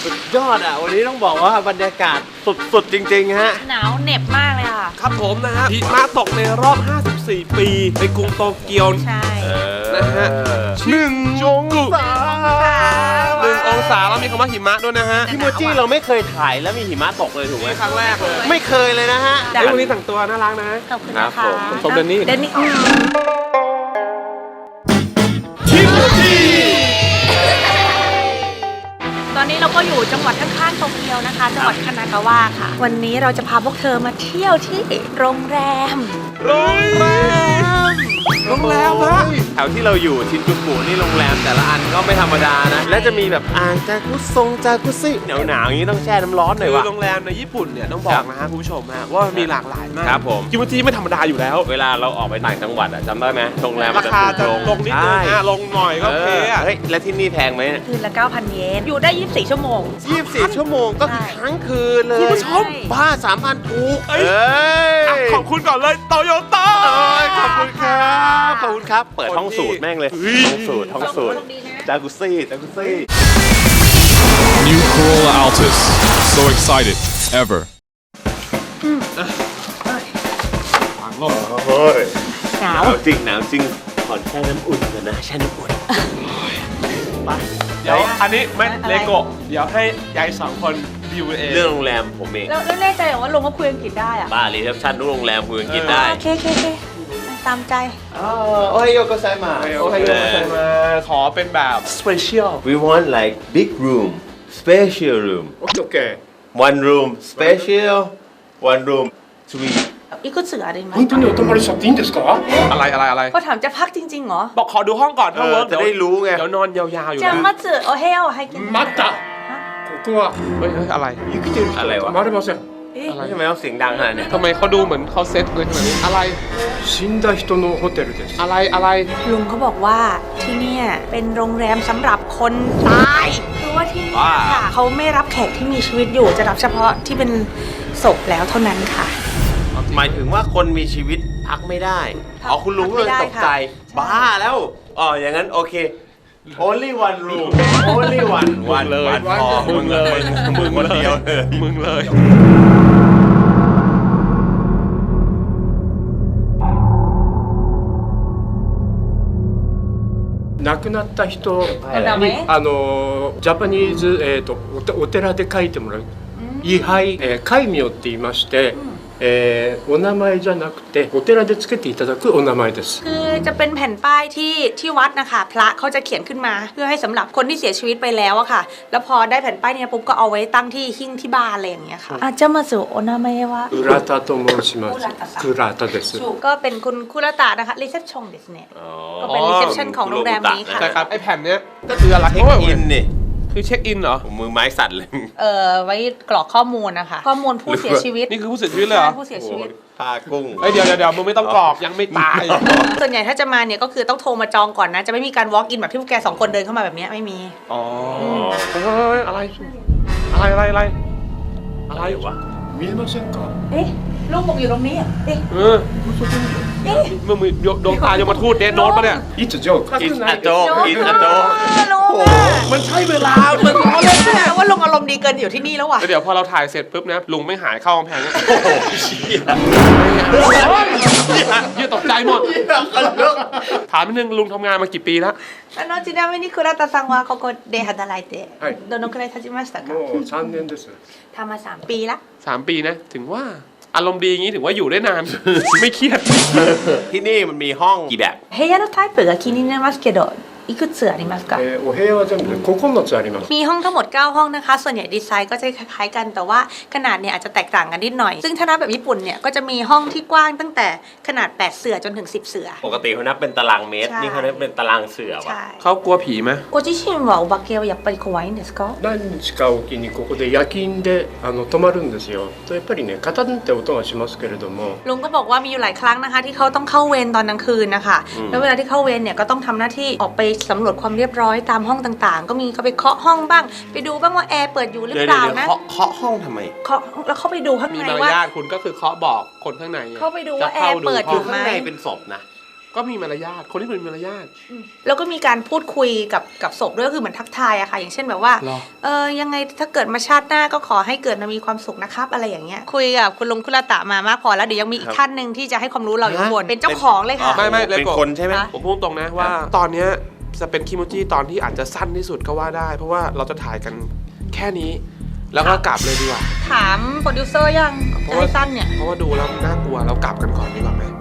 สุดยอดอ่ะวันนี้ต้องบอกว่าบรรยากาศสุดๆจริงๆฮะหนาวเหน็บมากเลยค่ะครับผมนะฮะหิมะตกในรอบ 54 ปีในกรุงโตเกียวใช่นะฮะ1 องศา1 องศาแล้วมีคำว่าหิมะด้วยนะฮะพี่โมจิเราไม่เคยถ่ายแล้วมีหิมะตกเลยถูกไหมครั้งแรกเลยไม่เคยเลยนะฮะวันนี้แต่งตัวน่ารักนะขอบคุณนะคะชมเดนนี่ตอนนี้เราก็อยู่จังหวัดข้างๆโตเกียวนะคะจังหวัดคานากาวะค่ะวันนี้เราจะพาพวกเธอมาเที่ยวที่โรงแรมฮะแถวที่เราอยู่ชินจูกุนี่โรงแรมแต่ละอันก็ไม่ธรรมดานะและจะมีแบบอ่างจากุซิหนาวๆอย่างนี้ต้องแช่น้ำร้อนหน่อยว่ะโรงแรมในญี่ปุ่นเนี่ยต้องบอกนะฮะคุณผู้ชมฮะว่ามีหลากหลายมากครับผมกิมจิไม่ธรรมดาอยู่แล้วเวลาเราออกไปต่างจังหวัดจำได้ไหมโรงแรมราคาจะลงนิดนึงลงหน่อยก็โอเคเฮ้ยและที่นี่แพงไหมคืนละ 9,000 เยนอยู่ได้24 ชั่วโมง 24 ชั่วโมงก็คือทั้งคืนเลยคุณผู้ชมบ้า 3,000 ถูกขอบคุณก่อนเลยโตโยต้าขอบคุณครับขอบคุณครับเปิดห้องสูตรแม่งเลยห้องสูตรจากุซี่ New Corolla Altis. So excited. Ever. หนาวจริงขอแช่น้ำอุ่นกันนะแช่น้ำอุ่นไปเดี๋ยวอันนี้ไม่เลโก้เดี๋ยวให้ยาย2 คนดิวเองเรื่องโรงแรมผมเองแล้วแน่ใจว่าลงก็คุยอังกฤษได้อะบ้ารีเซพชั่นทุกโรงแรมคุยอังกฤษได้โอเคตามใจโอไฮโอโกไซมาขอเป็นแบบ special we want like big room special room okay one room special one room suite อีกก็เสือได้ไหม本当にお泊まりしちゃっていいんですかอะไรเขาถามจะพักจริงๆเหรอบอกขอดูห้องก่อนถ้าเวิร์กจะได้รู้ไงเดี๋ยวนอนยาวๆอยู่จะมาเจอโอเฮลให้กิน待ったここはเฮ้ยอะไร生きてる人は泊まれませんทำไมต้องเสียงดังขนาดนี้ทำไมเขาดูเหมือนเขาเซ็ตเลยขนาดนี้อะไร死んだ人のホテルですอะไรลุงเขาบอกว่าที่เนี่ยเป็นโรงแรมสำหรับคนตายคือว่าที่นี่ค่ะเขาไม่รับแขกที่มีชีวิตอยู่จะรับเฉพาะที่เป็นศพแล้วเท่านั้นค่ะหมายถึงว่าคนมีชีวิตพักไม่ได้คุณลุงเลยตกใจบ้าแล้วอย่างนั้นโอเค only one room only one เลยมึงเลยคนเดียวมึงเลย亡くなった人にジャパニーズお寺で書いてもらう位牌戒名って言いましてお名前じゃなくてお寺でつけていただくお名前ですคือจะเป็นแผ่นป้ายที่วัดนะคะพระเขาจะเขียนขึ้นมาเพื่อให้สำหรับคนที่เสียชีวิตไปแล้วอะค่ะแล้วพอได้แผ่นป้ายนี้ปุ๊บก็เอาไว้ตั้งที่หิ้งที่บ้านอะไรอย่างเงี้ยค่ะจะมาสู่โอนาเมะวะคุราตะโตโมชิมัสคุราตะเดสก็เป็นคุณคุราตะนะคะรีเซพชั่นですねก็เป็นรีเซพชั่นของโรงแรมนี้ค่ะใช่ครับไอแผ่นเนี้ยก็คืออะไรเช็คอินนี่คือเช็คอินเหรอมือไม้สั่นเลยไว้กรอกข้อมูลนะคะข้อมูลผู้เสียชีวิตนี่คือผู้เสียชีวิตเลยเหรอผู้เสียชีวิตพากุ้งเดี๋ยวมึงไม่ต้องกรอกยังไม่ตายส่วนใหญ่ถ้าจะมาเนี่ยก็คือต้องโทรมาจองก่อนนะจะไม่มีการ walk in แบบที่พวกแก2 คนเดินเข้ามาแบบนี้ไม่มีอะไรวะ見えませんかลูกผมอยู่ตรงนี้มึงดวงตายมทูตโน้ตปะเนี่ยいつジョークอินอะโจมันใช่เวลามันล้อเล่นแน่ว่าลุงอารมณ์ดีเกินอยู่ที่นี่แล้วว่ะเดี๋ยวพอเราถ่ายเสร็จปุ๊บนะลุงไม่หายเข้ากำแพงโอ้โหยี่ตกใจหมดถามนิดนึงลุงทำงานมากี่ปีแล้วちなみに倉田さんはここで働いてどのくらい経ちましたかもう3年ですทำมา3 ปีละ 3 ปีนะถึงว่าอารมณ์ดีอย่างนี้ถึงว่าอยู่ได้นานไม่เครียดที่นี่มันมีห้องกี่แบบ部屋のタイプが気になりますけどいくつありますかお部屋は全部で9つありますมีห้องทั้งหมด9 ห้องนะคะส่วนใหญ่ดีไซน์ก็จะคล้ายๆกันแต่ว่าขนาดเนี่ยอาจจะแตกต่างกันนิดหน่อยซึ่งถ้านับแบบญี่ปุ่นเนี่ยก็จะมีห้องที่กว้างตั้งแต่ขนาด8 เสื่อจนถึง10 เสื่อปกติเขานับเป็นตารางเมตรนี่เขานับเป็นตารางเสื่อว่ะเขากลัวผีไหมご自身はお化けはやっぱり怖いんですか何日かおきにここで夜勤で泊まるんですよとやっぱりねカタンって音がしますけれどもลุงก็บอกว่ามีอยู่หลายครั้งนะคะที่เขาต้องเข้าเวรตอนกลางคืนนะคะแล้วเวลาที่เข้าเวรเนี่ยก็ต้องทำหน้าที่ออกไปสำรวจความเรียบร้อยตามห้องต่างๆก็มีเขาไปเคาะห้องบ้างไปดูบ้างว่าแอร์เปิดอยู่หรือเปล่านะเคาะห้องทำไมเคาะแล้วเข้าไปดูข้างในว่ามีมารยาทคุณก็คือเคาะบอกคนข้างในเข้าไปดูว่าแอร์เปิดอยู่ไหมข้างในเป็นศพนะก็มีมารยาทคนที่มีมารยาทแล้วก็มีการพูดคุยกับศพด้วยก็คือเหมือนทักทายอะค่ะ อย่างเช่นแบบว่าหรอยังไงถ้าเกิดมาชาติหน้าก็ขอให้เกิดมามีความสุขนะครับอะไรอย่างเงี้ยคุยกับคุณลุงคุรตะมามากพอแล้วเดี๋ยวยังมีอีกท่านหนึ่งที่จะให้ความรู้เราอยู่ข้างบนเป็นเจ้าของเลยค่ะไม่เลยเป็นโกะคนใช่ไหมผมพูดตรงนะว่าตอนเนี้ยจะเป็นคิโมจิตอนที่อาจจะสั้นที่สุดก็ว่าได้ เพราะว่าเราจะถ่ายกันแค่นี้ แล้วก็กลับเลยดีกว่าถามโปรดิวเซอร์ยังจะให้สั้นเนี่ยเพราะว่าดูแล้วน่ากลัวเรากลับกันก่อนดีกว่าไหม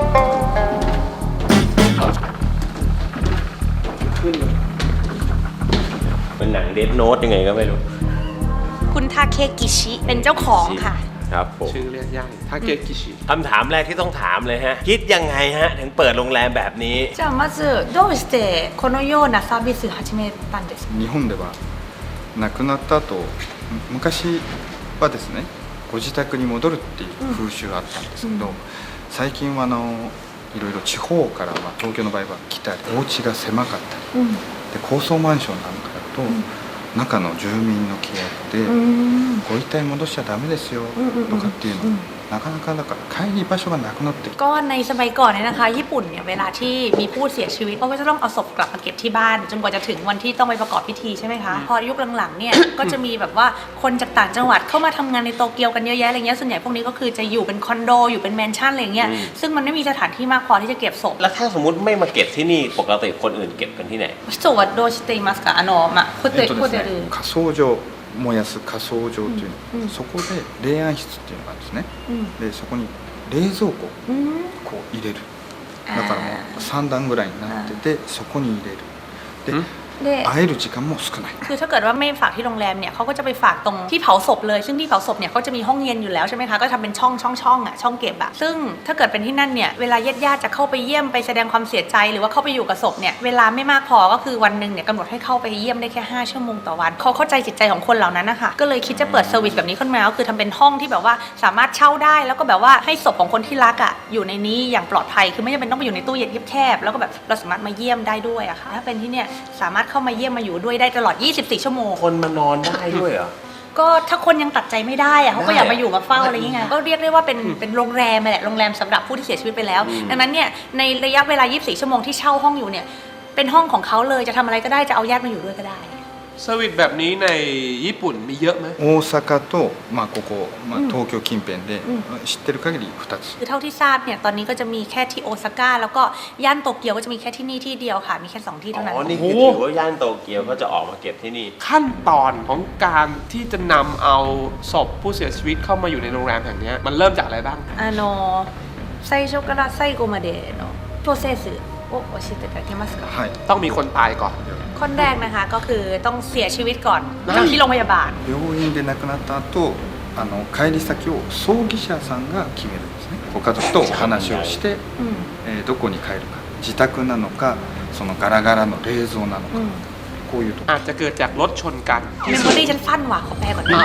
ขึ้นเลยเป็นหนังเดดโน้ตยังไงก็ไม่รู้คุณทาเคกิชิเป็นเจ้าของค่ะครับผมชื่อเรียกยากทาเกะกิชิคำถามแรกที่ต้องถามเลยฮะ คิดยังไงฮะ ถึงเปิดโรงแรมแบบนี้じゃあまずどうしてこのようなサービスを始めたんですか日本では亡くなった後昔はですねご自宅に戻るっていう風習があったんですけど、最近はいろいろ地方から、東京の場合は来たりお家が狭かったり、で高層マンションなんかだと、中の住民の規約で、ご遺体戻しちゃダメですよとかっていうの、なかなかだから帰り場所がなくなってきてก็ในสมัยก่อนเนี่ยนะคะญี่ปุ่นเนี่ยเวลาที่มีผู้เสียชีวิตเขาก็จะต้องเอาศพกลับมาเก็บที่บ้านจนกว่าจะถึงวันที่ต้องไปประกอบพิธีใช่ไหมคะพอยุคหลังๆเนี่ยก็จะมีแบบว่าคนจากต่างจังหวัดเข้ามาทำงานในโตเกียวกันเยอะแยะอะไรเงี้ยส่วนใหญ่พวกนี้ก็คือจะอยู่เป็นคอนโดอยู่เป็นแมนชั่นอะไรเงี้ยซึ่งมันไม่มีสถานที่มากพอที่จะเก็บศพแล้วถ้าสมมติไม่มาเก็บที่นี่ปกติคนอื่นเก็บกันที่ไหนศพどうしていますかホテル火葬場燃やす火葬場というの、そこで霊安室っていうのがあるんですね、でそこに冷蔵庫をこう入れる、だからもう3段ぐらいになっててそこに入れるで会える時間も少ないคือถ้าเกิดว่าไม่ฝากที่โรงแรมเนี่ยเขาก็จะไปฝากตรงที่เผาศพเลยซึ่งที่เผาศพเนี่ยเขาจะมีห้องเย็นอยู่แล้วใช่ไหมคะก็ทำเป็นช่องอ่ะช่องเก็บอะซึ่งถ้าเกิดเป็นที่นั่นเนี่ยเวลาญาติๆจะเข้าไปเยี่ยมไปแสดงความเสียใจหรือว่าเข้าไปอยู่กับศพเนี่ยเวลาไม่มากพอก็คือวันหนึ่งเนี่ยกำหนดให้เข้าไปเยี่ยมได้แค่5ชั่วโมงต่อวันเขาเข้าใจจิตใจของคนเหล่านั้นนะคะก็เลยคิดจะเปิดเซอร์วิสแบบนี้ขึ้นมาก็คือทำเป็นห้องที่แบบว่าสามารถเช่าได้แล้วก็แบบว่าให้ศพของคนที่รักอะอยู่ในนี้อย่างปลอดภัยคือไม่จำเป็นต้องไปอยู่ในตู้เย็นแคบๆแล้วก็แบบเราสามารถมาเยี่ยมได้ด้วยอะค่ะถ้าเป็นที่เนี่ยสามารถเข้ามาเยี่ยมมาอยู่ด้วยได้ตลอด24ชั่วโมงคนมานอนได้ด้วยเหรอก็ถ้าคนยังตัดใจไม่ได้อะเขาก็อยากมาอยู่มาเฝ้าอะไรอย่างเงี้ยก็เรียกได้ว่าเป็นโรงแรมแหละโรงแรมสำหรับผู้ที่เสียชีวิตไปแล้วดังนั้นเนี่ยในระยะเวลา24ชั่วโมงที่เช่าห้องอยู่เนี่ยเป็นห้องของเขาเลยจะทำอะไรก็ได้จะเอาญาติมาอยู่ด้วยก็ได้เซอร์วิสแบบนี้ในญี่ปุ่นมีเยอะไหม大阪と、ここ、東京近辺で、知ってる限り2つคือเท่าที่ทราบเนี่ยตอนนี้ก็จะมีแค่ที่โอซาก้าแล้วก็ย่านโตเกียวก็จะมีแค่ที่นี่ที่เดียวค่ะมีแค่2ที่เท่านั้นอ๋อ นี่คือถือว่าย่านโตเกียวเขาจะออกมาเก็บที่นี่ขั้นตอนของการที่จะนำเอาศพผู้เสียชีวิตเข้ามาอยู่ในโรงแรมแห่งนี้มันเริ่มจากอะไรบ้าง最初から最後までのプロセスを教えていただけますかはいต้องมีคนตายก่อนคนแรกนะคะก็คือต้องเสียชีวิตก่อนจากที่โรงพยาบาล病院で亡くなった後帰り先を葬儀社さんが決めるんですねご家族とお話をして、どこに帰るか自宅なのかそのガラガラの冷蔵なのか、こういうとこอาจจะเกิดจากรถชนกันเมมโมรี่ฉันสั้นว่ะขอแปลก่อนนะ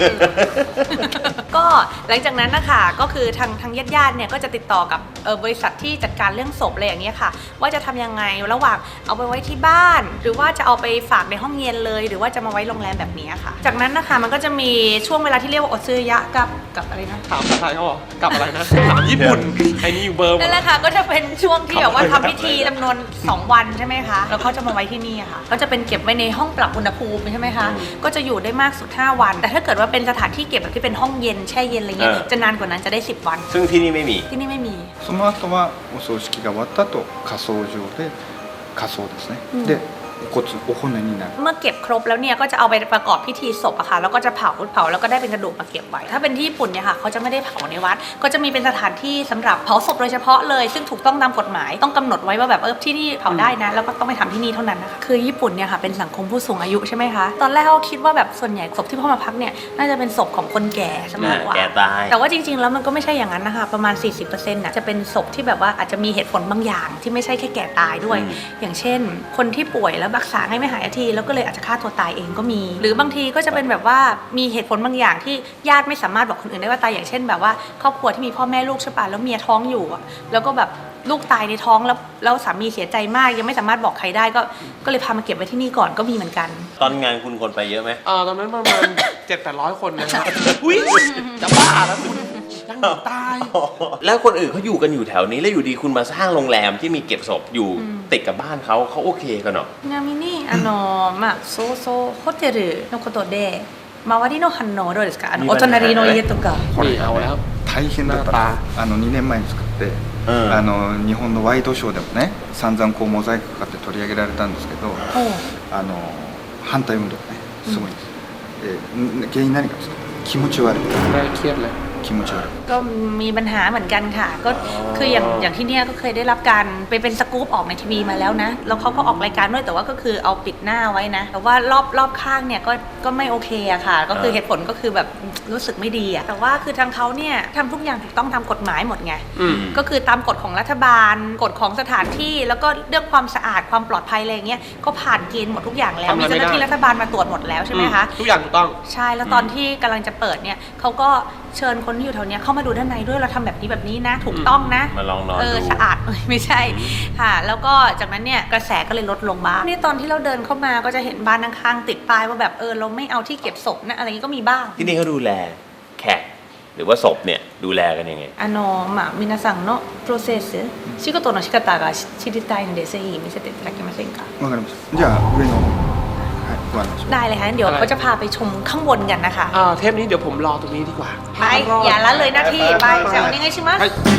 ก็หลังจากนั้นนะคะก็คือทางญาติๆเนี่ยก็จะติดต่อกับบริษัทที่จัดการเรื่องศพอะไรอย่างเงี้ยค่ะว่าจะทำยังไงระหว่างเอาไปไว้ที่บ้าน หรือว่าจะเอาไปฝากในห้องเย็นเลย หรือว่าจะมาไว้โรงแรมแบบนี้ค่ะ จากนั้นนะคะมันก็จะมีช่วงเวลาที่เรียกว่าโอซึยะกับอะไรนะถามภาษาไทยเขาบอกกลับอะไรนะถามญี่ปุ่นไอ้นี่อยู่เบอร์หมนั่ดนแหละค่ะก็จะเป็นช่วงที่แบบว่าทำพิธีจำนวน2วันใช่ไหมคะแล้วเขาจะมาไว้ที่นี่ค่ะก็จะเป็นเก็บไว้ในห้องปรับอุณหภูมิใช่ไหมคะก็จะอยู่ได้มากสุด5วันแต่ถ้าเกิดว่าเป็นสถานที่เก็บแบบที่เป็นห้องเย็นแช่เย็นอะไรเงี้ยจะนานกว่านั้นจะได้10วันซึ่งที่นี่ไม่มีที่นี่ไม่มีその後はお葬式が終わった後火葬場で火葬ですね、でお骨になるเมื่อเก็บครบแล้วเนี่ยก็จะเอาไปประกอบพิธีศพอะค่ะแล้วก็จะเผาแล้วก็ได้เป็นกระดูกมาเก็บไว้ถ้าเป็นที่ญี่ปุ่นเนี่ยค่ะเขาจะไม่ได้เผาในวัดก็จะมีเป็นสถานที่สำหรับเผาศพโดยเฉพาะเลยซึ่งถูกต้องตามกฎหมายต้องกำหนดไว้ว่าแบบที่นี่เผาได้นะแล้วก็ต้องไปทำที่นี่เท่านั้นนะคะคือญี่ปุ่นเนี่ยค่ะเป็นสังคมผู้สูงอายุใช่ไหมคะตอนแรกเขาคิดว่าแบบส่วนใหญ่ศพที่พ่อมาพักเนี่ยน่าจะเป็นศพของคนแก่ซะมากกว่าแก่ตายแต่ว่าจริงๆแล้วมันก็ไม่ใช่อย่างนั้นนะคะประมาณ 40%น่ะจะเป็นศพที่แบบว่าอาจจะมีเหตุผลบางอย่างที่ไม่ใช่แค่แก่ตายด้วย อย่างเช่น คนที่ป่วยแล้วรักษาให้ไม่หายทีแล้วก็เลยอาจจะฆ่าตัวตายเองก็มี หรือบางทีก็จะเป็นแบบว่ามีเหตุผลบางอย่างที่ญาติไม่สามารถบอกคนอื่นได้ว่าตายอย่างเช่นแบบว่าครอบครัวที่มีพ่อแม่ลูกใช่ปะแล้วเมียท้องอยู่อะแล้วก็แบบลูกตายในท้องแล้วสามีเสียใจมากยังไม่สามารถบอกใครได้ก็เลยพามาเก็บไว้ที่นี่ก่อนก็มีเหมือนกันตอนงานคุณคนไปเยอะไหมตอนนั้นประมาณ 700-800 คนนะครับอุ้ยจะบ้าแล้วคุณยังไม่ตายแล้วคนอื่นเขาอยู่กันอยู่แถวนี้แล้วอยู่ดีคุณมาสร้างโรงแรมที่มีเก็บศพอยู่ติดกับบ้านเขาโอเคกันเหรอちなみにまあそうそうホテルのことで周りの反応はどうですかお隣の家とかนี่เอาแล้ว大変だった2年前に作って、日本のワイドショーでもね散々こうモザイクかかって取り上げられたんですけど反対運動ねすごいんです、原因何かですか気持ち悪いน่าเครียดเลย気持ち悪いก็มีปัญหาเหมือนกันค่ะก็คืออย่างที่เนี่ยก็เคยได้รับการไปเป็นสกู๊ปออกในทีวีมาแล้วนะแล้วเขาก็ออกรายการด้วยแต่ว่าก็คือเอาปิดหน้าไว้นะแต่ว่ารอบข้างเนี่ยก็ไม่โอเคอะค่ะก็คือเหตุผลก็คือแบบรู้สึกไม่ดีอะแต่ว่าคือทางเขาเนี่ยทำทุกอย่างถูกต้องตามกฎหมายหมดไงก็คือตามกฎของรัฐบาลกฎของสถานที่แล้วก็เรื่องความสะอาดความปลอดภัยอะไรอย่างเงี้ยก็ผ่านเกณฑ์หมดทุกอย่างแล้วมีเจ้าหน้าที่รัฐบาลมาตรวจหมดแล้วใช่ไหมคะทุกอย่างถูกต้องใช่แล้วตอนที่กำลังจะเปิดเนี่ยเขาก็เชิญคนที่อยู่แถวเนี้ยเข้ามาดูด้านในด้วยเราทำแบบนี้นะถูกต้องนะมาลองนอนดูสะอาด ไม่ใช่ค่ะแล้วก็จากนั้นเนี่ยกระแสก็เลยลดลงบ้างนี่ตอนที่เราเดินเข้ามาก็จะเห็นบ้านข้างๆติดป้ายว่าแบบเราไม่เอาที่เก็บศพนะอะไรอย่างนี้ก็มีบ้างที่นี่เขาดูแลแขกหรือว่าศพเนี่ยดูแลกันยังไงまあ皆さんのプロセス仕事の仕方が知りたいのでぜひ見せていただけませんかわかりましたじゃあ上のはいご案内しますได้เลยค่ะงั้นเดี๋ยวเขาจะพาไปชมข้างบนกันนะคะเทปนี้เดี๋ยวผมรอตรงนี้ดีกว่าไปอย่าละเลยหน้าที่ไปจะเอายังไงชิมัส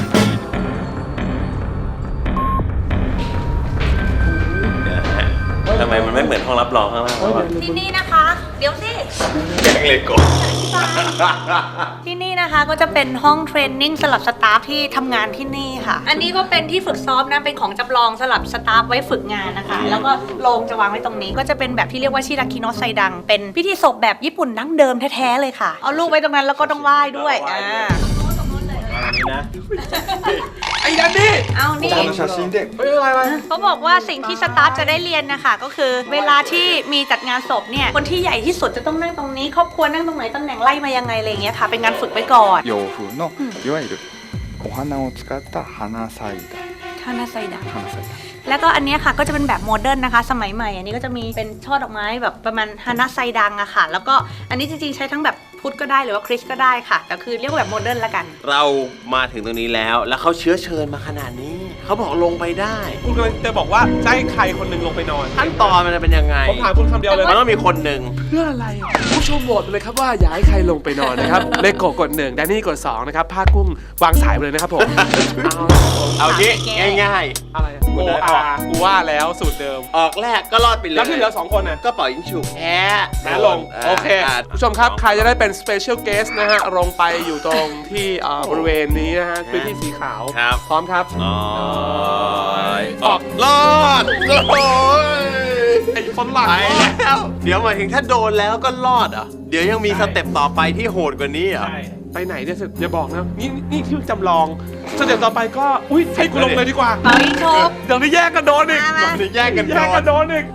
ทำไมมันไม่เหมือนห้องรับรองข้างล่างวะที่นี่นะคะ เดี๋ยวสิแกงเลยก่อนที่นี่นะคะก็จะเป็นห้องเทรนนิ่งสำหรับสตาฟที่ทำงานที่นี่ค่ะ อันนี้ก็เป็นที่ฝึกซ้อมนะเป็นของจำลองสำหรับสตาฟไว้ฝึกงานนะคะ แล้วก็โรงจะวางไว้ตรงนี้ ก็จะเป็นแบบที่เรียกว่าชิราคิโนะไซดัง เป็นพิธีศพแบบญี่ปุ่นดั้งเดิมแท้ๆเลยค่ะ เอาลูกไว้ตรงนั้นแล้วก็ต้องไหว้ด้วยนี่นะไอ้ดันนี่เอานี่こちらの写真でเฮ้ยอะไรเขาบอกว่าสิ่งที่สตาฟจะได้เรียนนะคะก็คือเวลาที่มีจัดงานศพเนี่ยคนที่ใหญ่ที่สุดจะต้องนั่งตรงนี้ครอบครัวนั่งตรงไหนตำแหน่งไล่มายังไงอะไรอย่างเงี้ยค่ะเป็นงานฝึกไว้ก่อน洋風のいわゆるお花を使った花祭壇คานาไซดะ花祭壇แล้วก็อันเนี้ยค่ะก็จะเป็นแบบโมเดิร์นนะคะ สมัยใหม่อันนี้ก็จะมีเป็นช่อดอกไม้แบบประมาณฮานาไซดังอะค่ะ แล้วก็อันนี้จริงๆใช้ทั้งแบบพุทธก็ได้หรือว่าคริสต์ก็ได้ค่ะแต่คือเรียกว่าแบบโมเดิร์นละกันเรามาถึงตรงนี้แล้วเขาเชื้อเชิญมาขนาดนี้เขาบอกลงไปได้คุณกำลังจะบอกว่าจะให้ใครคนหนึ่งลงไปนอนขั้นตอนมันจะเป็นยังไงผมถามคุณคำเดียวเลยมันต้องมีคนหนึ่งเพื่ออะไรผู้ชมโหวตเลยครับว่าอยากให้ใครลงไปนอนนะครับ เลโกกด1แดนนี่กด2นะครับผ้ากุ้งวางสายไปเลยนะครับผมเอางี้ง่ายอะไรอะคุณโอเดินออาอกกูว่าแล้วสูตรเดิมๆออกแรกก็รอดไปเลยแล้วที่เหลือ2คนน่ะก็เป่ายิงฉุกแพ้แพ้ลงโอเคผู้ชมครับใครจะได้เป็น Special Guest นะฮะลงไปอยู่ตรงที่บริเวณนี้นะฮะพื้นที่สีขาวครับพร้อมครับอออกรอดโอ้ยไอ้ฝรั่งไปแล้วเดี๋ยวหมายถึงถ้าโดนแล้วก็รอดเหรอเดี๋ยวยังมีสเต็ปต่อไปที่โหดกว่านี้เหรอไปไหนเนี่ยอย่าบอกนะนี่ที่จำลองสเต็ปต่อไปก็อุ้ยให้กูลงเลยดีกว่าเป่ายิงฉุบเดี๋ยวนี้แยกกันโดนอีกมาแยกกันแยกกันโดนอีก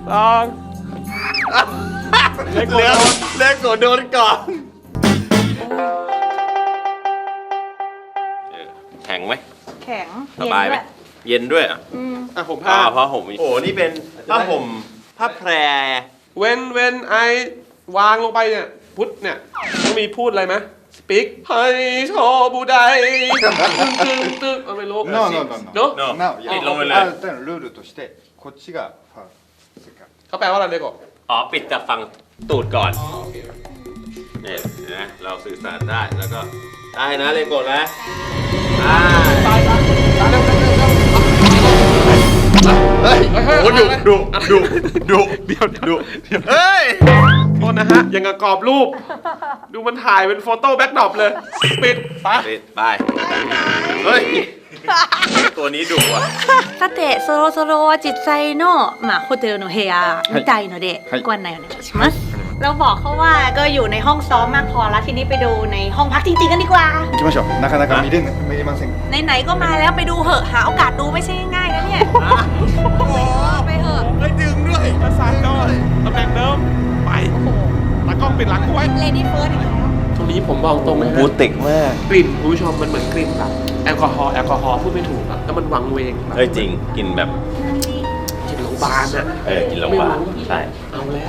เหลือเล็กกว่าโดนก่อนแข็งไหมแข็งสบายไหมเย็นด้วยอ่ะอ่ะผมผ้าผ้าห่มโอ้นี่เป็นผ้าห่มผ้าแพรเว้นไอวางลงไปเนี่ยพุทธเนี่ยต้องมีพูดอะไรไหมสปีกให้โชบูไดตึ๊กไม่รู้ No, no, no, no. เนอะเนอะなおいやปิดลงไปเลยある程度のルールとしてこっちがファウルそれからเขาแปลว่าอะไรเลยก่อนอ๋อปิดจากฝั่งตูดก่อนเนี่ยนะเราสื่อสารได้แล้วก็ได้นะเลยกดนะเฮ้ยโอ้ดุเดี๋ยวเฮ้ยโทษนะฮะยังกับกรอบรูป ดูมันถ่ายเป็นโฟโต้แบ็กดรอปเลยปิดไปไปเฮ้ยตัวนี้ดุอ่ะさてそろそろ実際のホテルの部屋みたいのでご案内お願いしますเราบอกเขาว่าก็อยู่ในห้องซ้อมมากพอแล้วทีนี้ไปดูในห้องพักจริงๆกันดีกว่า行きましょうなかなか見れませんไหนๆก็มาแล้วไปดูเหอะหาโอกาสดูไม่ใช่ง่ายๆนะเนี่ยไปเหอะไม่ดึงด้วยกระสายก็ตำแหน่งเดิมไปตากล้องปิดหลังกูไว้เลดี้เฟิร์สอีกแล้วตรงนี้ผมบอกตรงนะฮะบูติกมากกลิ่นคุณผู้ชมมันเหมือนกลิ่นแบบแอลกอฮอล์พูดไม่ถูกอะแล้วมันวังเวงแบบเฮ้ยจริงกินแบบกลิ่นโรงพยาบาลอะกินโรงพยาบาลใช่เอาแล้ว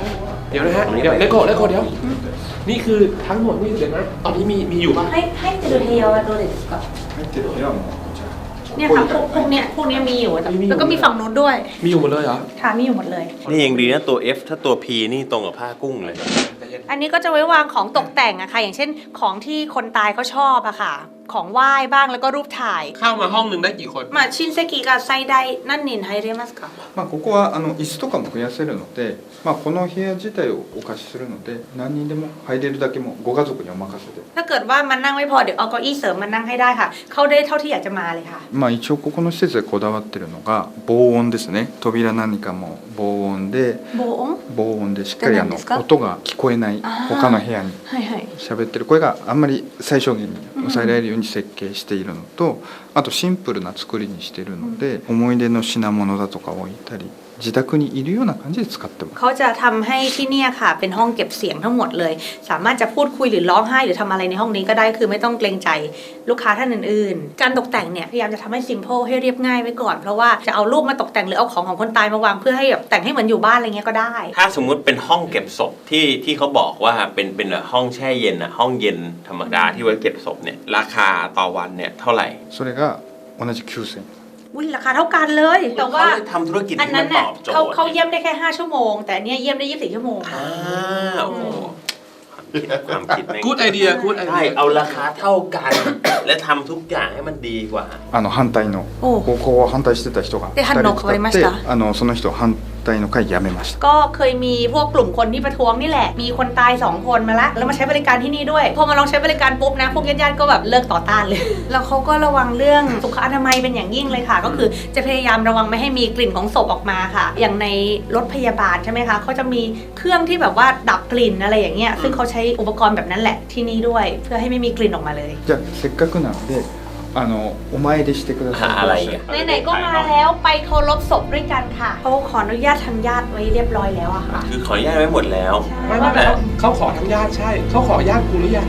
เดี๋ยวนะฮะเดี๋ยวเลโก้เดี๋ยวนี่คือทั้งหมดนี่เดี๋ยวนะตอนนี้มีอยู่ป่ะให้เจอเฮียวโดเด็กก่อน入ってる部屋もこちらเนี่ยค่ะพวกเนี้ยมีอยู่แล้วก็มีฝั่งนู้นด้วยมีอยู่หมดเลยเหรอค่ะมีอยู่หมดเลยนี่ยังดีนะตัว F ถ้าตัว P นี่ตรงกับผ้ากุ้งเลยอันนี้ก็จะไว้วางของตกแต่งอะค่ะอย่างเช่นของที่คนตายเขาชอบอะค่ะ ของไหว้บ้างแล้วก็รูปถ่ายเข้ามาห้องหนึ่งได้กี่คนมาชินเซกิกับไซไดนั่นนินไฮเรมัสค่ะまあ、ここは椅子とかも増やせるので、まあ、この部屋自体をお貸しするので何人でも入れるだけもご家族にお任せで、 ถ้าเกิดว่ามันนั่งไม่พอเดี๋ยวเอาเก้าอี้เสริมมานั่งให้ได้ค่ะ เข้าได้เท่าที่อยากจะมาเลยค่ะまあ、一応ここの施設でこだわってるのが防音ですね。扉何かも防音でโบง防音でしっかり何ですか音が聞こえないあー他の部屋にให้喋ってる声があんまり最小限に抑えられるように設計しているのと、あとシンプルな作りにしているので、思い出の品物だとか置いたり自宅にいるような感じで使ってます。 เขาจะทำให้ที่เนี่ยค่ะ เป็นห้องเก็บเสียงทั้งหมดเลย สามารถจะพูดคุยหรือร้องไห้หรือทำอะไรในห้องนี้ก็ได้คือไม่ต้องเกรงใจลูกค้าท่านอื่นๆ การตกแต่งเนี่ยพยายามจะทำให้ simple ให้เรียบง่ายไว้ก่อนเพราะว่าจะเอารูปมาตกแต่งหรือเอาของคนตายมาวางเพื่อให้แบบแต่งให้เหมือนอยู่บ้านอะไรเงี้ยก็ได้ถ้าสมมุติเป็นห้องเก็บศพที่เขาบอกว่าเป็นห้องแช่เย็นอะห้องเย็นธรรมดาที่ไว้เก็บศพเนี่ยราคาต่อวันเนี่ยเท่าไหร่それが同じ9000円。 อุ้ยราคาเท่ากันเลย แต่ว่าเขาเลยทำธุรกิจอันที่นั้มัน นตน่ะอบโจทเขาย์เยี่ยมได้แค่5ชั่วโมงแต่อันเนี่ยเยี่ยมได้24ชั่วโมงอ่าโอ้โหความคิดแม่งกูดไอเดียกูดไอใช่เดียเอาราคาเท่ากัน และทำทุกอย่างให้มันดีกว่า反対のここを反対してた人がで反応変わりましたその人反対の会辞めました。 ก็เคยมีพวกกลุ่มคนที่ประท้วงนี่แหละ มีคนตาย2คนมาละแล้วมาใช้บริการที่นี่ด้วย พอมาลองใช้บริการปุ๊บนะ พวกญาติๆก็แบบเลิกต่อต้านเลย แล้วเขาก็ระวังเรื่องสุขอนามัยเป็นอย่างยิ่งเลยค่ะ ก็คือจะพยายามระวังไม่ให้มีกลิ่นของศพออกมาค่ะ อย่างในรถพยาบาลใช่ไหมคะเขาจะมีเครื่องที่แบบว่าดับกลิ่นอะไรอย่างเงี้ย ซึ่งเขาใช้อุปกรณ์แบบนั้นแหละที่นี่ด้วย เพื่อให้ไม่มีกลิ่นออกมาเลยじゃあせっかくなのでお参りしてください。 อะไรอ่ะไหนๆก็มาแล้วไปเคารพศพด้วยกันค่ะเขาขออนุญาตทางญาติไว้เรียบร้อยแล้วอะค่ะคือขออนุญาตไว้หมดแล้วไม่เขาขอทั้งญาติใช่เขาขอญาติกูหรือยัง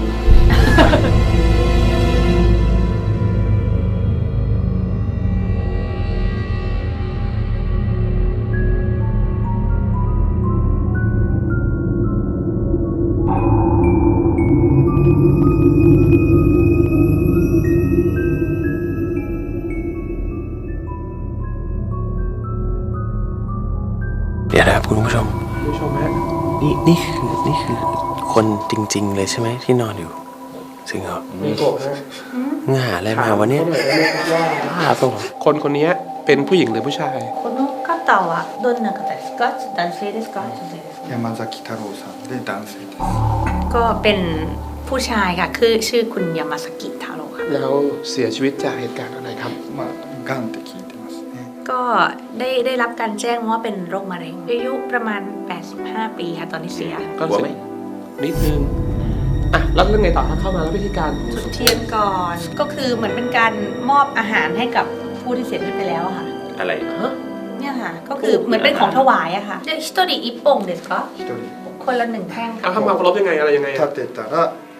เดี๋ยวนะครับคุณผู้ชมผู้ชมฮะนี่คือคนจริง ๆ เลยใช่ไหมที่นอนอยู่จริงเหรอมีโกะฮะง่าอะไรมาวันนี้บ้าเปล่าวะคนนี้เป็นผู้หญิงหรือผู้ชายこの方はどんな方ですか？男性ですか？女性ですか？ 山崎太郎さんで男性です。 ก็เป็นผู้ชายค่ะคือชื่อคุณยามาสกิทาโร่ค่ะแล้วเสียชีวิตจากเหตุการณ์อะไรครับまあがんって聞いてますね。 ก็ได้รับการแจ้งว่าเป็นโรคมะเร็งอายุประมาณ 85 ปีค่ะตอนนี้เสียก็กลัวเสีไหมยนิดนึงอ่ะแล้วเรื่องไงต่อถ้าเข้ามาแล้ววิธีการจุดเทียนก่อนก็คือเหมือนเป็นการมอบอาหารให้กับผู้ที่เสียชีวิตไปแล้วอะค่ะอะไรฮะเนี่ยค่ะก็คือเหมือนเป็นของถวายอะค่ะเรียกฮิโตริอิปปงเด็ดก็一人คนละ1แท่งเอาค่ะเข้ามาเคารพยังไงอะไรยังไง立อะてたら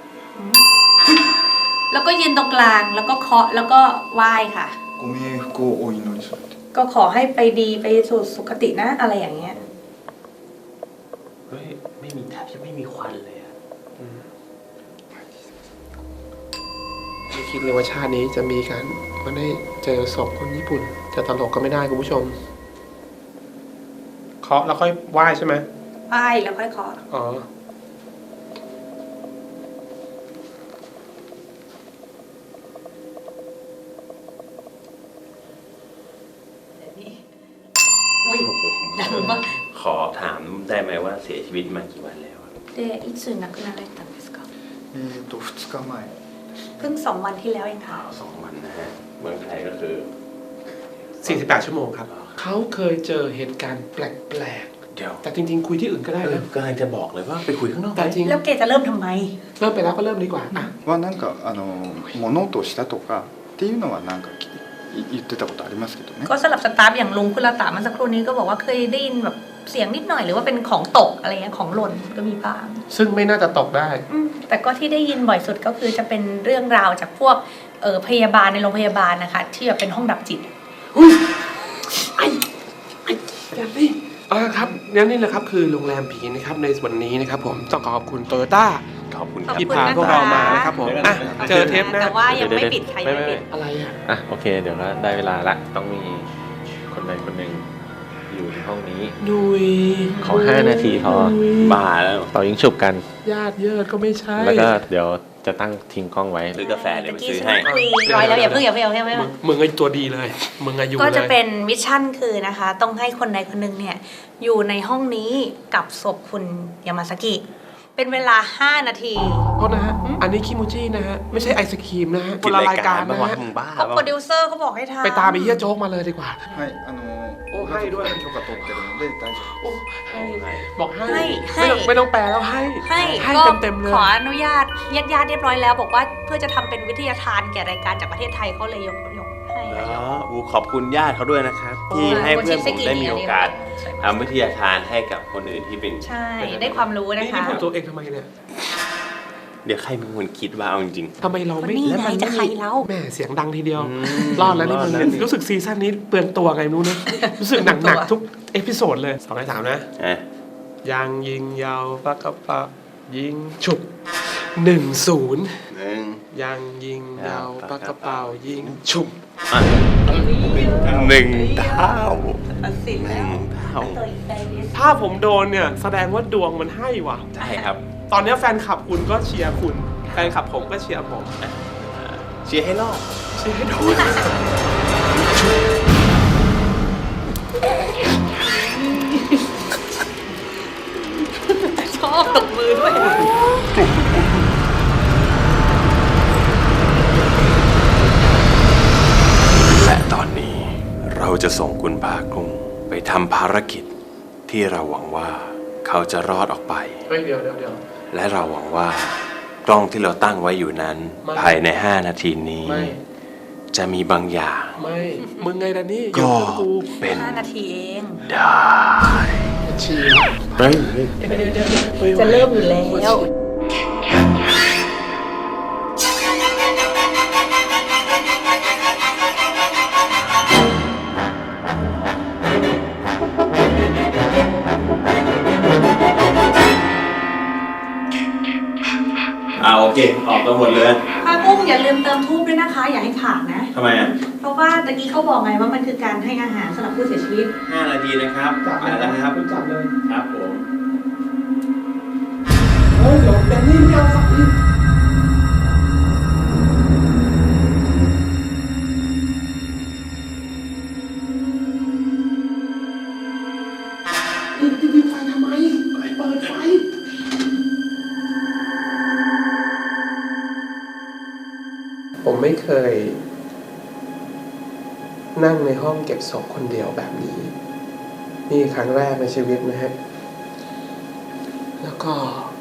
แล้วก็ยืนตรงกลางแล้วก็เคาะแล้วก็ไหว้ค่ะご冥福をお祈りするって。 ก็ขอให้ไปดีไปสู่สุคตินะอะไรอย่างเงี้ยเฮ้ยไม่มีแทบจะไม่มีควันเลยอะไม่คิดเลยว่าชาตินี้จะมีการมาได้เจอศพคนญี่ปุ่นจะตลกก็ไม่ได้คุณผู้ชมเคาะแล้วค่อยไหว้ใช่ไหมไหว้แล้วค่อยเคาะอ๋อดังมากขอถามได้ไหมว่าเสียชีวิตมากี่วันแล้วอะでいつ亡くなられたんですか 2日前。 เพิ่ง2 วันที่แล้วเองค่ะ 2 วันนะฮะเมืองไทยก็คือ 48 ชั่วโมงครับ เขาเคยเจอเหตุการณ์แปลกเดี๋ยวๆแต่จริงๆ คุยที่อื่นก็ได้นะกำลังจะบอกเลยว่าไปคุยข้างนอกแต่จริงแล้วเกจะเริ่มทำไมเริ่มไปแล้วก็เริ่มดีกว่าอ่ะはなんか物音をしたとかっていうのはなんか言ってたことありますけどね。 ก็สลับสตาฟอย่างลุงคุณลาตาเมื่อสักครู่นี้ก็บอกว่าเคยได้ยินแบบเสียงนิดหน่อยหรือว่าเป็นของตกอะไรเงี้ยของหล่นก็มีบ้างซึ่งไม่น่าจะตกได้แต่ก็ที่ได้ยินบ่อยสุดก็คือจะเป็นเรื่องราวจากพวกพยาบาลในโรงพยาบาลนะคะที่แบบเป็นห้องดับจิตอย่าสิครับนี่แหละครับคือโรงแรมผีนะครับในวันนี้นะครับผมต้องขอบคุณโตโยต้าขอบคุณคขอบรับที่คุณพานะคะพวกเรามานะครับผมอ่ะเจอเทปหน้าแต่ว่ายังไม่ปิดค่ะยังไม่ปิดอะไรอ่ะอ่ะโอเค เดี๋ยวก็ได้เวลาละต้องมีคนใดคนหนึ่งอยู่ในห้องนี้ดุยขอ5 นาทีพอบ้าแล้วเป่ายิงฉุบกันญาติเยิดก็ไม่ใช่แล้วก็เดี๋ยวจะตั้งทิ้งกล้องไว้ซื้อกาแฟเดี๋ยวไปซื้อฉันให้คุยร้อยแล้วอย่าเพิ่งมึงไอ้ตัวดีเลยมึงอายุก็เลจะยเป็นมิชชั่นคือนะคะ ต้องให้คนใดคนหนึ่งเนี่ยอยู่ในห้องนี้กับศพคุณยามาซากิ เป็นเวลา 5 นาทีโทษนะฮะอันนี้คิมูจินะฮะไม่ใช่ไอศครีมนะฮะกินรายการบ้างวะฮะมึงบ้าเขาเปโปรล่าดิวเซอร์เขาบอกให้ทำไปตามไอ้เหี้ยโจ๊กมาเลยดีกว่าはい、 おはいด้วย許可取ってるので大丈夫。 โอ้ให้บอกให้ให้ไม่ต้องแปลแล้วให้ให้ก็ก็เต็มๆเลยขออนุญาตญาติๆเรียบร้อยแล้ว บอกว่าเพื่อจะทำเป็นวิทยาทานแก่รายการจากประเทศไทยเขาเลยยกให้อูขอบคุณญาติเขาด้วยนะครับ ที่ให้เพื่อนผมได้มีโอกาสทำวิทยาทานให้กับคนอื่นที่เป็นใช่ได้ความรู้นะนี่คะพูดตัวเองทำไมเนี่ยเดี๋ยวใครเป็นคนคิดว่าเอาจริงทำไมเราไม่นี่ไงแล้วมันจะใครเล่าแม่เสียงดังทีเดียวอืมรอดแล้วนี่มึงรอดแล้วนี่รู้สึกซีซั่นนี้เปลืองตัวไงไม่รู้นะรู้สึกหนักๆทุกเอพิโซดเลย2ใน3นะๆอ่ะยางยิงยาวปากกระปะยิงฉุบ1-0 หนึ่งยางยิงยาวปากกระเป๋ายิงฉุบหนึ่งเท่าตัดสินหแล้นึ่วงเท่าถ้าผมโดนเนี่ยแสดงว่าดวงมันให้ว่ะใช่ครับตอนนี้แฟนคลับคุณก็เชียร์คุณแฟนคลับผมก็เชียร์ผมเชียร์ให้รอดเชียร์ให้โดนชอบตบมือด้วยและตอนนี้เราจะส่งคุณภาคกุ้งไปทำภารกิจที่เราหวังว่าเขาจะรอดออกไปเฮ้ยเดี๋ยวและเราหวังว่ากล้องที่เราตั้งไว้อยู่นั้นไม่ภายใน 5 นาทีนี้ไม่จะมีบางอย่างไม่มึงไงล่ะนี่ก็เดี๋ยวกูเป็น 5 นาทีเองได้เชียร์เฮ้ยจะเริ่มอยู่แล้วโอเค ออกกันหมดเลยค่ะกุ้งอย่าลืมเติมทูบด้วยนะคะ อย่าให้ขาดนะทำไมอ่ะเพราะว่าตะกี้เขาบอกไงว่ามันคือการให้อาหารสำหรับผู้เสียชีวิต 5 นาทีนะครับไปแล้วครับคุณจับเลยครับผมเฮ้ยเดี๋ยวแดนนี่ไม่เอาสักทีปิดไฟทำไมเปิดไฟ ผมไม่เคย นั่งในห้องเก็บศพคนเดียวแบบนี้ นี่ครั้งแรกในชีวิตนะฮะ แล้วก็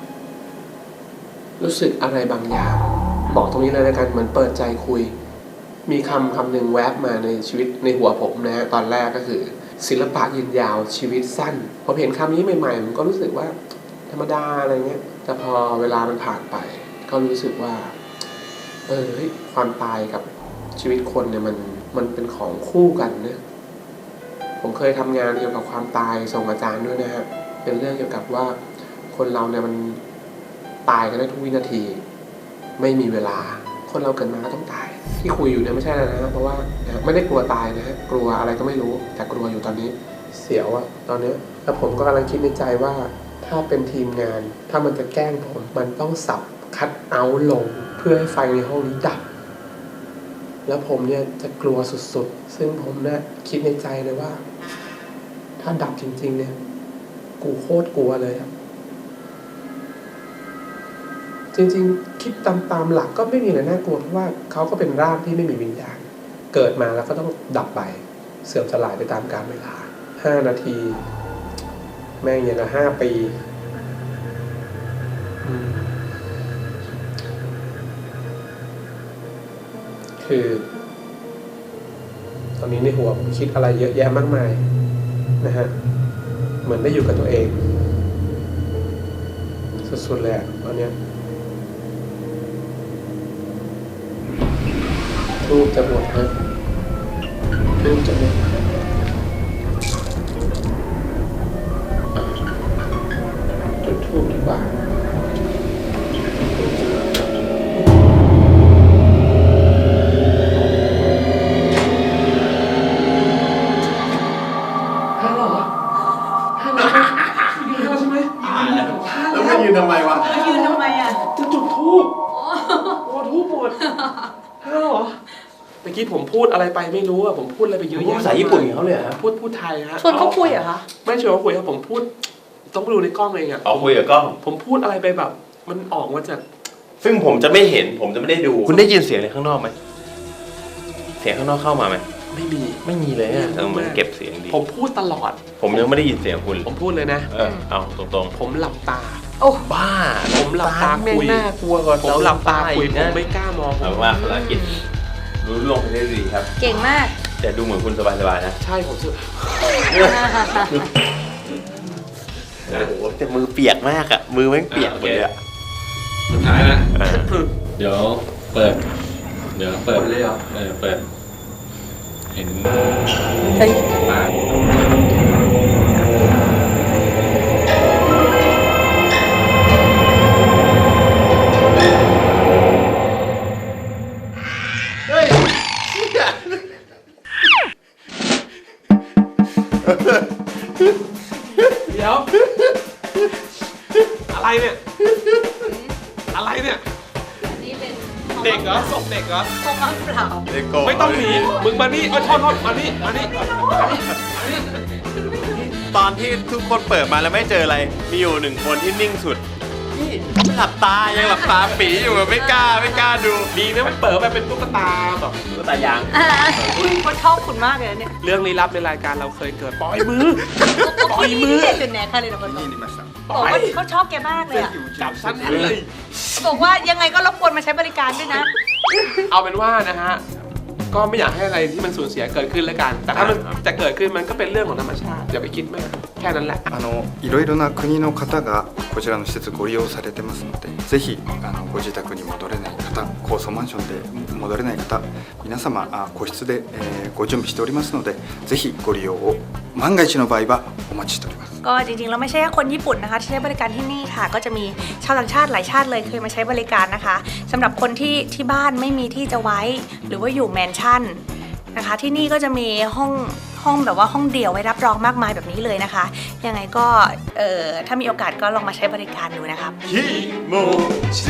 รู้สึกอะไรบางอย่าง บอกตรงนี้เลยแล้วกันเหมือนเปิดใจคุย มีคำหนึ่งแวบมาในชีวิตในหัวผมนะฮะตอนแรกก็คือ ศิลปะยืนยาวชีวิตสั้นพอเห็นคำนี้ใหม่ๆผมก็รู้สึกว่า ธรรมดาอะไรเงี้ยแต่พอเวลามันผ่านไป ก็รู้สึกว่าเฮ้ยความตายกับชีวิตคนเนี่ยมันเป็นของคู่กันเนี่ยผมเคยทำงานเกี่ยวกับความตายส่งอาจารย์ด้วยนะฮะเป็นเรื่องเกี่ยวกับว่าคนเราเนี่ยมันตายกันได้ทุกวินาที ไม่มีเวลาคนเราเกิดมาก็ต้องตายที่คุยอยู่เนี่ยไม่ใช่อะไรนะเพราะว่าไม่ได้กลัวตายนะฮะกลัวอะไรก็ไม่รู้แต่กลัวอยู่ตอนนี้เสียวอะตอนนี้แล้วผมก็กำลังคิดในใจว่าถ้าเป็นทีมงานถ้ามันจะแกล้งผมมันต้องสับคัดเอาท์ลงเพื่อให้ไฟในห้องนี้ดับแล้วผมเนี่ยจะกลัวสุดๆซึ่งผมเนี่ยคิดในใจเลยว่าถ้าดับจริงๆเนี่ยกูโคตรกลัวเลยอะจริงๆคิดตามหลักก็ไม่มีอะไรน่ากลัวเพราะว่าเขาก็เป็นร่างที่ไม่มีวิญญาณเกิดมาแล้วก็ต้องดับไปเสื่อมสลายไปตามกาลเวลา5 นาทีแม่งอย่างละ5 ปีคือตอนนี้ในหัวผมคิดอะไรเยอะแยะมากมายนะฮะเหมือนได้อยู่กับตัวเองสุดๆเลยอะตอนเนี้ยรูปจะหมดฮะรูปจะหมดทูบดีกว่าแล้วมายืนทำไมวะยืนทำไมอ่ะจะจุดทูบโอ้ทูบหมดฮัลโหลเมื่อกี้ผมพูดอะไรไปไม่รู้อะผมพูดอะไรไปเยอะแยะภาษาญี่ปุ่นเขาเลยครับพูดไทยฮะชวนเขาคุยเหรอคะไม่ชวนเขาคุยครับผมพูดต้องไปดูในกล้องเองอะเอาคุยกับกล้องผมพูดอะไรไปแบบ มันออกมาจากซึ่งผมจะไม่เห็น ผมจะไม่ได้ดู คุณได้ยินเสียงอะไรข้างนอกไหม เสียงข้างนอกเข้ามาไหมไม่มีไม่มีเลยอะเหมือนเก็บเสียงดีผมพูดตลอดผมยังไม่ได้ยินเสียงคุณผมพูดเลยนะเอาตรงผมหลับตาโอ้ๆ บ้าผมหลับตาคุยน่ากลัวกว่าผมหลับตาคุยผนะมไม่กล้ามองเอาว่าภาษาอังกฤษรู้ลงไปได้ดีครับเก่งมากแต่ดูเหมือนคุณสบายๆนะใช่ผมสึกโอ้โหแต่มือเปียกมากอะมือแม่งเปียกหมดเลยอะสุดท้ายละอ่าเดี๋ยวเปิด เปิดเลยเหรอเปิด เห็นเฮ้ยตาเฮ้ยเดี๋ยว อะไรเนี่ย อะไรเนี่ยนี่เป็นเด็กเหรอศพเด็กเหรอคงมาเปล่าเลโก้ไม่ต้องหนีมึงมานี่โทษมานี่ตอนที่ทุกคนเปิดมาแล้วไม่เจออะไร มีอยู่หนึ่งคนที่นิ่งสุด นี่หลับตา ยังหลับตาปีอยู่แบบไม่กล้าดูดีนะมันเปิดไปเป็นตุ๊กตาแบบก็ตายางเขาชอบคุณมากเลยเนี่ยเรื่องลี้ลับในรายการเราเคยเกิดปล่อยมือ ปล่อยมือเด็ดจุดแหนค่ะเลยนะคนบอกบอกว่าเขาชอบแกมากเลยอ่ะจับสั้นเลยบอกว่ายังไงก็รบกวนมาใช้บริการด้วยนะเอาเป็นว่านะฮะ ก็ไม่อยากให้อะไรที่มันสูญเสียเกิดขึ้นแล้วกัน แต่ถ้ามันจะเกิดขึ้นมันก็เป็นเรื่องของธรรมชาติอย่าไปคิดมากแค่นั้นแหละいろいろな国の方がこちらの施設ご利用されてますので、ぜひご自宅に戻れない方、高層マンションで戻れない方、皆様個室でご準備しておりますので、ぜひご利用を万が一の場合はお待ちしております。 ก็จริงๆแล้วไม่ใช่แค่คนญี่ปุ่นนะคะที่ใช้บริการที่นี่ค่ะ ก็จะมีชาวต่างชาติหลายชาติเลยเคยมาใช้บริการนะคะสำหรับคนที่บ้านไม่มีที่จะไว้ หรือว่าอยู่แมนชั่นนะคะที่นี่ก็จะมีห้องแบบว่าห้องเดี่ยวไว้รับรองมากมายแบบนี้เลยนะคะยังไงก็ถ้ามีโอกาสก็ลองมาใช้บริการดูนะครับฮิโมชิ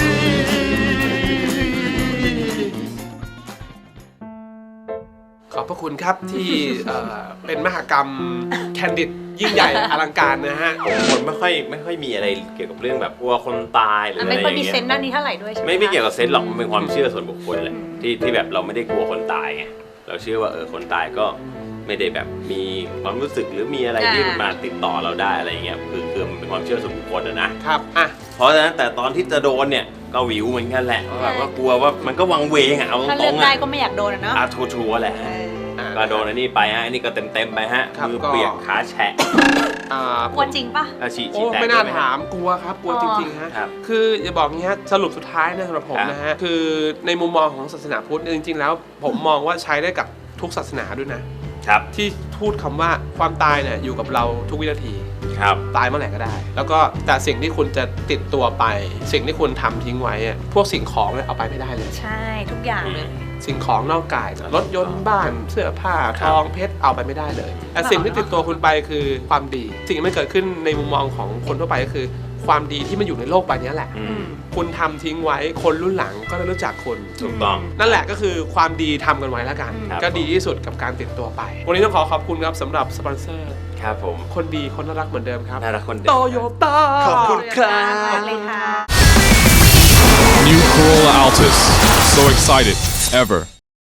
ขอบพระคุณครับที่เป็นมหกรรมแคนดิดยิ่งใหญ่อลังการนะฮะคนไม่ค่อยมีอะไรเกี่ยวกับเรื่องแบบกลัวคนตายหรืออะไรไม่อค่อยย่างมีเงี้เซนต์ด้านนี้เท่าไหร่ด้วยใช่ไหมไม่เกี่ยวกับเซนส์หรอกมันเป็นความเชื่อส่วนบุคคลแหละที่แบบเราไม่ได้กลัวคนตายไงเราเชื่อว่าคนตายก็ไม่ได้แบบมีความรู้สึกหรือมีอะไรที่มาติดต่อเราได้อะไรอย่างเงี้ยคือมันเป็นความเชื่อส่วนบุคคลนะครับอ่ะเพราะฉะนั้นแต่ตอนที่จะโดนเนี่ยก็วิวเหมือนกันแหละแบบว่ากลัวว่ามันก็วังเวงอะเอาตถ้ารเลือกงๆได้อะก็ไม่อยากโดนอะเนาะชัวร์ๆแหละก็โดนอันนี้ไปฮะอันนี้ก็เต็มไปฮะครับมือเปียกขาแฉะกลัวจริงปะฉี่โอ้แตกไม่น่าด้วยหถามกลัวครับกลัวจริงๆฮะครับคืออย่าบอกงี้ฮะสรุปสุดท้ายนะสำหรับผมครับนะฮะคือในมุมมองของศาสนาพุทธเนี่ยจริงๆแล้วผมมองว่าใช้ได้กับทุกศาสนาด้วยนะครับ ที่พูดคำว่าความตายเนี่ยอยู่กับเราทุกวินาทีครับตายเมื่อไหร่ก็ได้ แล้วก็แต่สิ่งที่คุณจะติดตัวไป สิ่งที่คุณทำทิ้งไว้อะพวกสิ่งของเนี่ยเอาไปไม่ได้เลยใช่ทุกอย่างเลยสิ่งของนอกกายรถยนต์บ้านเสื้อผ้าทองเพชรเอาไปไม่ได้เลยแต่สิ่งที่ติดตัวคุณไปคือความดี สิ่งที่มันเกิดขึ้นในมุมมองของคนทั่วไปก็คือ ความดีที่มันอยู่ในโลกใบนี้แหละอืมคุณทำทิ้งไว้คนรุ่นหลังก็จะรู้จักคุณถูกต้องนั่นแหละก็คือความดีทำกันไว้แล้วกันครับก็ดีที่สุดกับการติดตัวไป วันนี้ต้องขอบคุณครับสำหรับสปอนเซอร์ครับผมคนดีคนน่ารักเหมือนเดิมครับน่ารักคนเดียโตวโยต้าขอบคุณครับเลยค่ะ New Corolla Altis. So excited. Ever.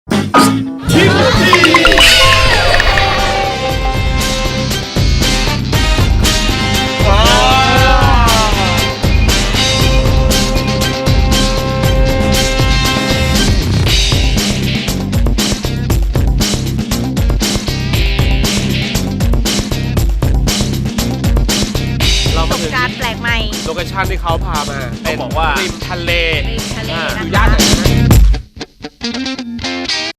เราปมาระสถึบงการณ์แปลกใหม่โลเคชั่นที่เขาพามาเขาบอกว่าริมทะเลริมทะเลอยู่นะย่านไหนคะนะ